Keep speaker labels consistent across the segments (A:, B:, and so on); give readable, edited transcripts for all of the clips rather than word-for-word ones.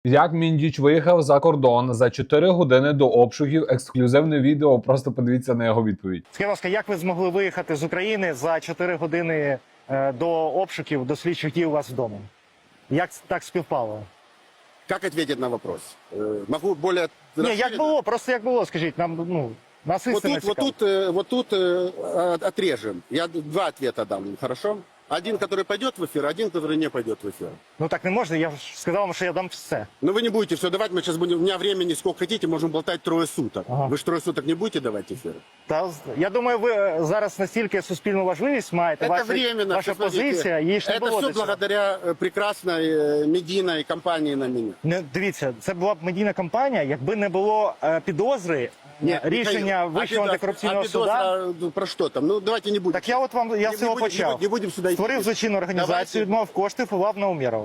A: Як Міндіч виїхав за кордон за 4 години до обшуків, ексклюзивне відео, просто подивіться на його відповідь.
B: Скажіть, будь ласка, як ви змогли виїхати з України за 4 години до обшуків, до слідчих дій у вас вдома? Як так співпало?
C: Как ответить на вопрос? Могу более...
B: Ні, як було, просто як було, скажіть, нам, нас
C: Вот
B: істина
C: тут,
B: цікава.
C: вот тут отрежем. Я два ответа дам, хорошо? Один, который пойдет в эфир, один, который не пойдет в эфир.
B: Ну так не можна, я ж сказав вам, що я дам все.
C: Но вы не будете все давать, мы сейчас будем... У меня времени сколько хотите, можем болтать 3 суток.
B: Ага.
C: Вы же 3 суток не будете давать эфир?
B: Я думаю, ви зараз настільки суспільну важливість маєте,
C: Это временно.
B: ваша
C: посмотрите.
B: позиція, її ж не
C: Это
B: було
C: все
B: до цього.
C: благодаря прекрасной медийной компании на меня.
B: Не, дивіться, це була б медійна кампанія, якби не було підозри, рішення Вищого антикорупційного суду.
C: Про що там? Ну, давайте не будемо.
B: Так я з цього почав.
C: Не будемо сюди йти.
B: Створив злочинну організацію, відмов коштів і лав на Умєрова.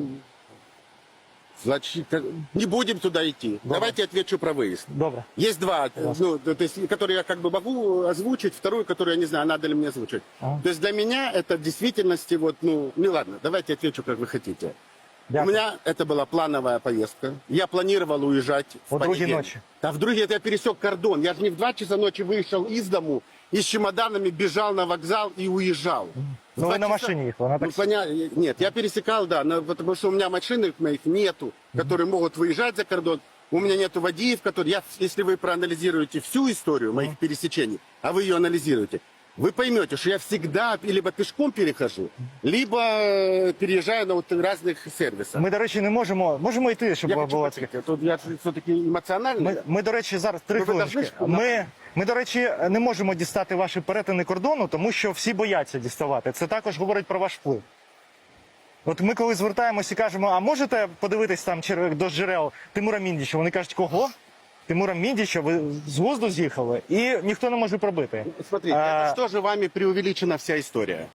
C: Значит, не будем туда идти. Давайте отвечу про выезд.
B: Добре.
C: Есть два, ну, то есть, которые я как бы могу озвучить, вторую, которую я не знаю, надо ли мне озвучить.
B: Ага.
C: То есть для меня это в действительности, вот, ну ладно, давайте отвечу, как вы хотите.
B: Дякую.
C: У меня это была плановая поездка. Я планировал уезжать в
B: О другій
C: понедельник.
B: ночі.
C: Да в другие я пересек кордон. Я же не в 2 часа ночи вышел из дому и с чемоданами бежал на вокзал и уезжал. В
B: Ну,
C: 2
B: ви на
C: часа-
B: машині їхали, на
C: Ну,
B: таксі.
C: Нет, я пересекал, да, потому что у меня машин моих нету, которые могут выезжать за кордон. У меня нету водеев, которые... Если вы проанализируете всю историю моих пересечений, а вы ее анализируете, вы поймете, что я всегда либо пешком перехожу, либо переезжаю на вот разных сервисах.
B: Ми, до речі, не можемо йти, щоб
C: Я хочу
B: було
C: почути. Тут я все-таки емоціональний.
B: Ми, до речі, зараз 3
C: Ну, ви
B: хвилинки.
C: должны
B: Ми, до речі, не можемо дістати ваші перетини кордону, тому що всі бояться діставати. Це також говорить про ваш вплив. От ми коли звертаємося і кажемо, а можете подивитись там до джерел Тимура Міндіча? Вони кажуть, кого? Тимура Міндіча, ви з глузду з'їхали? І ніхто не може пробити.
C: Смотрите, это же тоже вами преувеличена вся история.